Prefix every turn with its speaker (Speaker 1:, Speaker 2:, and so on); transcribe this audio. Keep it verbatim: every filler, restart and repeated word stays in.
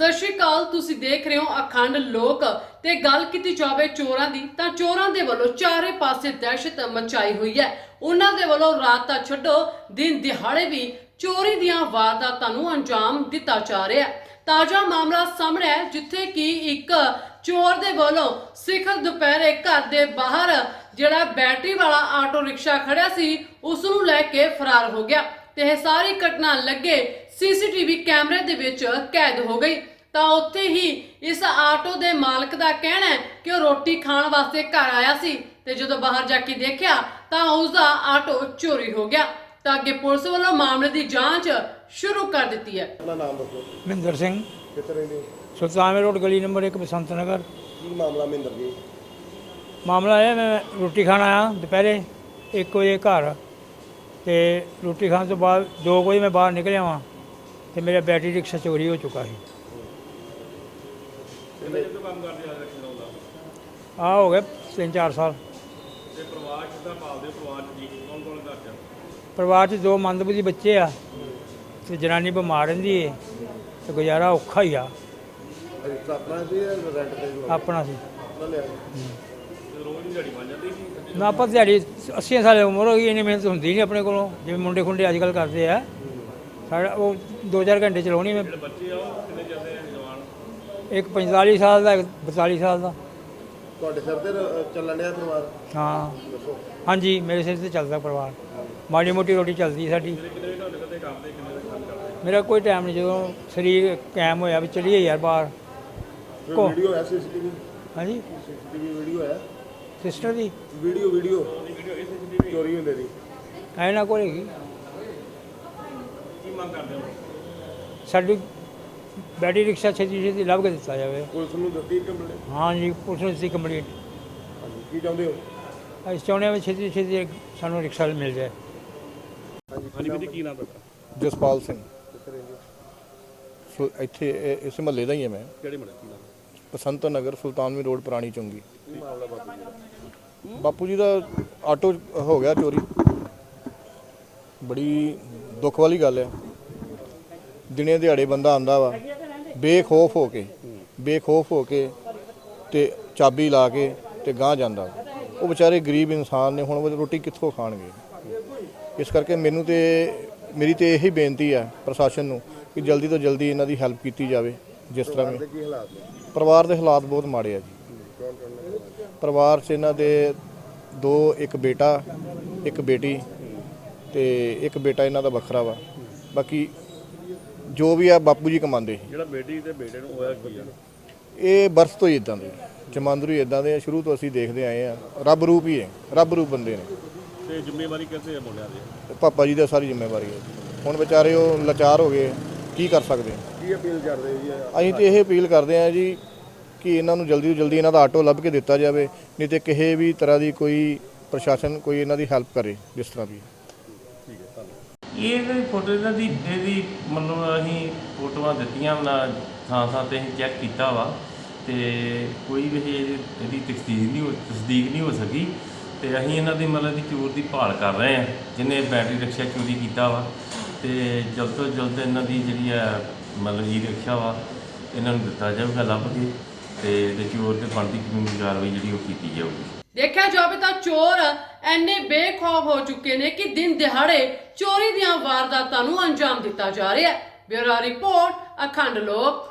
Speaker 1: ਸਤਿ ਸ਼੍ਰੀ ਅਕਾਲ। ਤੁਸੀਂ ਦੇਖ ਰਹੇ ਹੋ ਅਖੰਡ ਲੋਕ ਤੇ ਗੱਲ ਕੀਤੀ ਜਾਵੇ ਚੋਰਾਂ ਦੀ ਤਾਂ ਚੋਰਾਂ ਦੇ ਵੱਲੋਂ ਚਾਰੇ ਪਾਸੇ ਦਹਿਸ਼ਤ ਮਚਾਈ ਹੋਈ ਹੈ। ਉਹਨਾਂ ਦੇ ਵੱਲੋਂ ਰਾਤ ਤਾਂ ਛੱਡੋ ਦਿਨ ਦਿਹਾੜੇ ਵੀ ਚੋਰੀ ਦੀਆਂ ਵਾਰਦਾਤਾਂ ਨੂੰ ਅੰਜਾਮ ਦਿੱਤਾ ਜਾ ਰਿਹਾ ਹੈ। ਤਾਜ਼ਾ ਮਾਮਲਾ ਸਾਹਮਣੇ ਹੈ ਜਿੱਥੇ ਕਿ ਇੱਕ ਚੋਰ ਦੇ ਵੱਲੋਂ ਸਿਖਰ ਦੁਪਹਿਰੇ ਘਰ ਦੇ ਬਾਹਰ ਜਿਹੜਾ ਬੈਟਰੀ ਵਾਲਾ ਆਟੋ ਰਿਕਸ਼ਾ ਖੜਿਆ ਸੀ ਉਸ ਨੂੰ ਲੈ ਕੇ ਫਰਾਰ ਹੋ ਗਿਆ ਤੇ ਇਹ ਸਾਰੀ ਘਟਨਾ ਲੱਗੇ ਸੀਸੀਟੀਵੀ ਕੈਮਰੇ ਦੇ ਵਿੱਚ ਕੈਦ ਹੋ ਗਈ। ਤਾਂ ਉੱਥੇ ਹੀ ਇਸ ਆਟੋ ਦੇ ਮਾਲਕ ਦਾ ਕਹਿਣਾ ਹੈ ਕਿ ਉਹ ਰੋਟੀ ਖਾਣ ਵਾਸਤੇ ਘਰ ਆਇਆ ਸੀ ਤੇ ਜਦੋਂ ਬਾਹਰ ਜਾ ਕੇ ਦੇਖਿਆ ਤਾਂ ਉਸ ਦਾ ਆਟੋ ਚੋਰੀ ਹੋ ਗਿਆ। ਤਾਂ ਅੱਗੇ ਪੁਲਿਸ ਵੱਲੋਂ ਮਾਮਲੇ ਦੀ ਜਾਂਚ ਸ਼ੁਰੂ ਕਰ ਦਿੱਤੀ ਹੈ।
Speaker 2: अपना नाम दसो।
Speaker 3: ਮਹਿੰਦਰ ਸਿੰਘ
Speaker 2: कितने रहंदे हो?
Speaker 3: ਸੁਲਤਾਨਵੇਂ ਰੋਡ ਗਲੀ ਨੰਬਰ ਇੱਕ ਬਸੰਤ ਨਗਰ।
Speaker 2: की मामला महिंदर जी?
Speaker 3: ਮਾਮਲਾ ਇਹ ਮੈਂ ਰੋਟੀ ਖਾਣ ਆਇਆ ਦੁਪਹਿਰੇ ਇੱਕ ਵਜੇ ਘਰ ਤੇ ਰੋਟੀ ਖਾਣ ਤੋਂ ਬਾਅਦ ਦੋ ਵਜੇ ਮੈਂ ਬਾਹਰ ਨਿਕਲਿਆ ਵਾਂ ਤੇ ਮੇਰਾ ਬੈਟਰੀ ਰਿਕਸ਼ਾ ਚੋਰੀ ਹੋ ਚੁੱਕਾ ਸੀ।
Speaker 2: कितने जो काम करदे आ रखना ਹੁੰਦਾ?
Speaker 3: ਆ ਹੋ ਗਏ ਤਿੰਨ ਚਾਰ ਸਾਲ।
Speaker 2: ਤੇ ਪਰਿਵਾਰ ਕਿੱਦਾਂ ਪਾਲਦੇ ਹੋ? ਪਰਿਵਾਰ ਚ ਜੀ ਕੌਣ ਕੌਣ ਘਰ ਚ?
Speaker 3: ਪਰਿਵਾਰ 'ਚ ਦੋ ਮੰਦਬੁੱਧੀ ਬੱਚੇ ਆ ਤੇ ਜਨਾਨੀ ਬਿਮਾਰ ਰਹਿੰਦੀ ਏ ਤੇ ਗੁਜ਼ਾਰਾ ਔਖਾ ਹੀ ਆ।
Speaker 2: ਰਿਕਸ਼ਾ ਆਪਣਾ ਸੀ ਜਾਂ ਰੈਂਟ ਤੇ ਲਓ?
Speaker 3: ਆਪਣਾ ਸੀ।
Speaker 2: ਆਪਣਾ ਲਿਆ ਸੀ। ਤੇ ਰੋਜ਼ ਦੀ ਦਿਹਾੜੀ ਬਣ ਜਾਂਦੀ ਸੀ?
Speaker 3: ਨਾ ਆਪਾਂ ਦਿਹਾੜੀ ਅੱਸੀ ਸਾਲ ਉਮਰ ਹੋ ਗਈ, ਇੰਨੀ ਮਿਹਨਤ ਹੁੰਦੀ ਨਹੀਂ ਆਪਣੇ ਕੋਲੋਂ ਜਿਵੇਂ ਮੁੰਡੇ ਖੁੰਡੇ ਅੱਜ ਕੱਲ੍ਹ ਕਰਦੇ ਆ। ਸਾਡਾ ਉਹ ਦੋ ਚਾਰ ਘੰਟੇ ਚਲਾਉਣੀ ਮੈਂ।
Speaker 2: ਜਿਹੜੇ ਬੱਚੇ ਆ ਉਹ ਕਿੰਨੇ ਜਾਂਦੇ ਆ ਜਵਾਨ?
Speaker 3: ਇੱਕ ਪੰਤਾਲੀ ਸਾਲ ਦਾ ਇੱਕ ਬਤਾਲੀ ਸਾਲ ਦਾ।
Speaker 2: ਤੁਹਾਡੇ ਸਿਰ ਤੇ ਰ- ਚੱਲਣ ਡਿਆ ਪਰਿਵਾਰ?
Speaker 3: ਹਾਂ
Speaker 2: ਦੱਸੋ।
Speaker 3: ਹਾਂਜੀ, ਮੇਰੇ ਸਿਰ ਤੇ ਚੱਲਦਾ ਪਰਿਵਾਰ। ਮਾੜੀ ਮੋਟੀ ਰੋਟੀ ਚੱਲਦੀ ਸਾਡੀ।
Speaker 2: ਕਿੰਨੇ ਕਿੰਨੇ ਤੁਹਾਡੇ ਕਦੇ ਕੰਮ ਦੇ ਕਿੰਨੇ ਦੇ ਕੰਮ ਕਰਦੇ?
Speaker 3: ਮੇਰਾ ਕੋਈ ਟਾਈਮ ਨਹੀਂ, ਜਦੋਂ ਸਰੀਰ ਕਾਇਮ ਹੋਇਆ ਵੀ ਚਲੀਏ ਯਾਰ ਬਾਹਰ।
Speaker 2: ਕੋਈ
Speaker 3: ਕੋ-
Speaker 2: ਵੀਡੀਓ ਹੈ ਸੀਸੀਟੀਵੀ?
Speaker 3: ਹਾਂਜੀ,
Speaker 2: ਸੀਸੀਟੀਵੀ ਵੀਡੀਓ ਹੈ?
Speaker 3: ਸਿਸਟਰ ਦੀ
Speaker 2: ਵੀਡੀਓ ਵੀਡੀਓ ਚੋਰੀ ਹੁੰਦੇ ਦੀ
Speaker 3: ਐ ਨਾ ਕੋਲ ਹੈਗੀ।
Speaker 2: ਕੀ ਮੰਗ ਕਰਦੇ ਹੋ?
Speaker 3: ਸਾਡੀ ਬੈਟਰੀ ਰਿਕਸ਼ਾ ਛੇਤੀ ਛੇਤੀ ਲੱਭ ਕੇ ਦਿੱਤਾ ਜਾਵੇ।
Speaker 2: ਪੁਲਿਸ ਨੂੰ ਦਿੱਤੀ ਕੰਪਲੇਂਟ?
Speaker 3: ਹਾਂਜੀ, ਪੁਲਿਸ ਨੂੰ ਦਿੱਤੀ ਕੰਪਲੀਟ।
Speaker 2: ਹਾਂਜੀ, ਕੀ ਚਾਹੁੰਦੇ ਹੋ?
Speaker 3: ਅਸੀਂ ਚਾਹੁੰਦੇ ਹਾਂ ਵੀ ਛੇਤੀ ਛੇਤੀ ਸਾਨੂੰ ਰਿਕਸ਼ਾ ਮਿਲ ਜਾਏ।
Speaker 2: ਹਾਂਜੀ ਵੀਰ ਜੀ, ਕੀ ਨਾਮ ਤੁਹਾਡਾ?
Speaker 4: ਜਸਪਾਲ ਸਿੰਘ।
Speaker 2: ਕਿੱਥੇ ਰਹਿੰਦੇ?
Speaker 4: ਸੋ ਇੱਥੇ ਇਹ- ਇਸ ਮਹੱਲੇ ਦਾ ਹੀ ਹਾਂ ਮੈਂ।
Speaker 2: ਕਿਹੜੇ ਮੜੇ ਕੀ ਨਾਮ?
Speaker 4: ਬਸੰਤ ਨਗਰ ਸੁਲਤਾਨਵੀਂ ਰੋਡ ਪੁਰਾਣੀ ਚੁੰਗੀ।
Speaker 2: ਕੀ ਮਾਮਲਾ ਬਾਪੂ ਜੀ ਦਾ?
Speaker 4: ਬਾਪੂ ਜੀ ਦਾ ਆਟੋ ਹੋ ਗਿਆ ਚੋਰੀ। ਬੜੀ ਦੁੱਖ ਵਾਲੀ ਗੱਲ ਹੈ। ਦਿਨੇ ਦਿਹਾੜੇ ਬੰਦਾ ਆਂਦਾ ਵਾ ਬੇਖੌਫ ਹੋ ਕੇ ਬੇਖੌਫ ਹੋ ਕੇ ਤੇ ਚਾਬੀ ਲਾ ਕੇ ਤੇ ਗਾਂਹ ਜਾਂਦਾ। ਉਹ ਵਿਚਾਰੇ ਗਰੀਬ ਇਨਸਾਨ ਨੇ, ਹੁਣ ਉਹ ਰੋਟੀ ਕਿੱਥੋਂ ਖਾਣਗੇ? ਇਸ ਕਰਕੇ ਮੈਨੂੰ ਤੇ ਮੇਰੀ ਤੇ ਇਹੀ ਬੇਨਤੀ ਹੈ ਪ੍ਰਸ਼ਾਸਨ ਨੂੰ ਕਿ ਜਲਦੀ ਤੋਂ ਜਲਦੀ ਇਹਨਾਂ ਦੀ ਹੈਲਪ ਕੀਤੀ ਜਾਵੇ। ਜਿਸ ਤਰ੍ਹਾਂ ਵੀ
Speaker 2: ਕੀ ਹਾਲਾਤ ਨੇ?
Speaker 4: ਪਰਿਵਾਰ ਦੇ ਹਾਲਾਤ ਬਹੁਤ ਮਾੜੇ ਆ ਜੀ।
Speaker 2: ਕੌਣ ਕੌਣ ਨੇ?
Speaker 4: ਪਰਿਵਾਰ 'ਚ ਇਹਨਾਂ ਦੇ ਦੋ, ਇੱਕ ਬੇਟਾ ਇੱਕ ਬੇਟੀ ਤੇ ਇੱਕ ਬੇਟਾ ਇਹਨਾਂ ਦਾ ਵੱਖਰਾ ਵਾ। ਬਾਕੀ ਜੋ ਵੀ ਆ ਬਾਪੂ ਜੀ ਕਮਾਉਂਦੇ।
Speaker 2: ਜਿਹੜਾ ਬੇਟੀ ਤੇ ਬੇਟੇ ਨੂੰ ਹੋਇਆ ਕੀ ਆ?
Speaker 4: ਇਹ ਬਰਥ ਤੋਂ ਹੀ ਇਦਾਂ ਦੇ, ਜਮਾਂਦਰੂ ਹੀ ਇਦਾਂ ਦੇ ਆ। ਸ਼ੁਰੂ ਤੋਂ ਅਸੀਂ ਦੇਖਦੇ ਆਏ ਆ। ਰੱਬ ਰੂਪ ਹੀ ਹੈ, ਰੱਬ ਰੂਪ ਬੰਦੇ ਨੇ।
Speaker 2: ਤੇ ਜ਼ਿੰਮੇਵਾਰੀ ਕਿੱਥੇ ਹੈ ਮੁੰਡਿਆਂ ਦੀ?
Speaker 4: ਤੇ ਪਾਪਾ ਜੀ ਦਾ ਸਾਰੀ ਜ਼ਿੰਮੇਵਾਰੀ ਹੈ। ਹੁਣ ਵਿਚਾਰੇ ਉਹ ਲਾਚਾਰ ਹੋ ਗਏ, ਕੀ ਕਰ ਸਕਦੇ ਆ।
Speaker 2: ਕੀ ਅਪੀਲ ਕਰਦੇ ਜੀ?
Speaker 4: ਅਸੀਂ ਤੇ ਇਹ ਅਪੀਲ ਕਰਦੇ ਆ ਜੀ ਕਿ ਇਹਨਾਂ ਨੂੰ ਜਲਦੀ ਤੋਂ ਜਲਦੀ ਇਹਨਾਂ ਦਾ ਆਟੋ ਲੱਭ ਕੇ ਦਿੱਤਾ ਜਾਵੇ, ਨਹੀਂ ਤੇ ਕਿਸੇ ਵੀ ਤਰ੍ਹਾਂ ਦੀ ਕੋਈ ਪ੍ਰਸ਼ਾਸਨ ਕੋਈ ਇਹਨਾਂ ਦੀ ਹੈਲਪ ਕਰੇ ਜਿਸ ਤਰ੍ਹਾਂ ਵੀ।
Speaker 5: ਇਹ ਜਿਹੜੀ ਫੋਟੋ ਇਹਨਾਂ ਦੀ ਇਹਦੀ ਮਤਲਬ ਅਸੀਂ ਫੋਟੋਆਂ ਦਿੱਤੀਆਂ ਨਾ ਥਾਂ ਥਾਂ 'ਤੇ ਅਸੀਂ ਚੈੱਕ ਕੀਤਾ ਵਾ ਤੇ ਕੋਈ ਵੀ ਇਹ- ਇਹਦੀ ਤਸਦੀਕ ਨਹੀਂ ਹੋ ਤਸਦੀਕ ਨਹੀਂ ਹੋ ਸਕੀ ਤੇ ਅਸੀਂ ਇਹਨਾਂ ਦੀ ਮਤਲਬ ਦੀ ਚੋਰ ਦੀ ਭਾਲ ਕਰ ਰਹੇ ਹਾਂ ਜਿਹਨੇ ਬੈਟਰੀ ਰਿਕਸ਼ਾ ਚੋਰੀ ਕੀਤਾ ਵਾ ਤੇ ਜਲਦ ਤੋਂ ਜਲਦ ਇਹਨਾਂ ਦੀ ਜਿਹੜੀ ਆ ਮਤਲਬ ਈ ਰਿਕਸ਼ਾ ਵਾ ਇਹਨਾਂ ਨੂੰ ਦਿੱਤਾ ਜਾਊਗਾ ਲੱਭ ਕੇ ਤੇ ਤੇ ਚੋਰ ਤੇ ਬਣਦੀ ਕਾਨੂੰਨੀ ਕਾਰਵਾਈ ਜਿਹੜੀ ਉਹ ਕੀਤੀ ਜਾਊਗੀ।
Speaker 1: ਦੇਖਿਆ ਜਾਵੇ ਤਾਂ ਚੋਰ ਐਨੇ ਬੇਖੌਫ ਹੋ ਚੁੱਕੇ ਨੇ ਕਿ ਦਿਨ ਦਿਹਾੜੇ ਚੋਰੀ ਦੀਆਂ ਵਾਰਦਾਤਾਂ ਨੂੰ ਅੰਜਾਮ ਦਿੱਤਾ ਜਾ ਰਿਹਾ ਹੈ। ਬਿਊਰੋ ਰਿਪੋਰਟ, ਅਖੰਡ ਲੋਕ।